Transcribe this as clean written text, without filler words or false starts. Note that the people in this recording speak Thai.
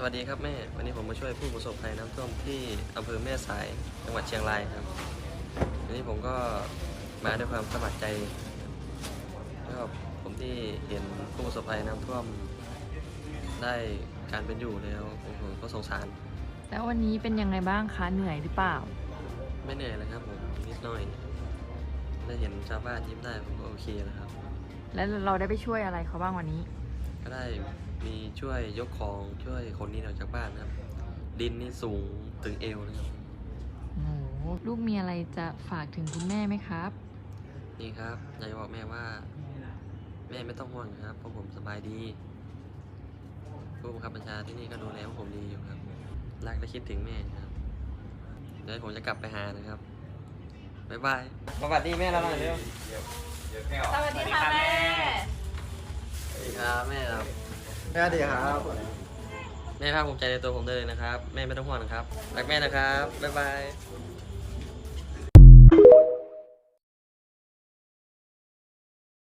วัสดีครับแม่วันนี้ผมมาช่วยผู้ประสบภัยน้ำท่วมที่อำเภอแม่สายจังหวัดเชียงรายครับวันนี้ผมก็มาด้วยความสมัครใจแล้วก็ผมที่เห็นผู้ประสบภัยน้ำท่วมได้การเป็นอยู่แล้วผมก็สงสารแล้ววันนี้เป็นยังไงบ้างคะเหนื่อยหรือเปล่าไม่เหนื่อยเลยครับผมนิดหน่อยได้เห็นชาวบ้านยิ้มได้ผมก็โอเคแล้วครับแล้วเราได้ไปช่วยอะไรเขาบ้างวันนี้ก็ได้มีช่วยยกของช่วยคนนี้ออกจากบ้านนะครับดินนี่สูงถึงเอวนะครับโอ้โหลูกมีอะไรจะฝากถึงคุณแม่ไหมครับนี่ครับอยากจะบอกแม่ว่าแม่ไม่ต้องห่วงนะครับเพราะผมสบายดีผู้บังคับบัญชาที่นี่ก็ดูแลพวกผมดีอยู่ครับรักและคิดถึงแม่ครับเดี๋ยวผมจะกลับไปหานะครับบ๊ายบายสวัสดีแม่เราหน่อยเร็วสวัสดีค่ะแม่สวัสดีครับแม่ครับสวัสดีครับแม่ภาคภูมิใจในตัวผมได้เลยนะครับแม่ไม่ต้องห่วงนะครับรักแม่นะครับบ๊ายบาย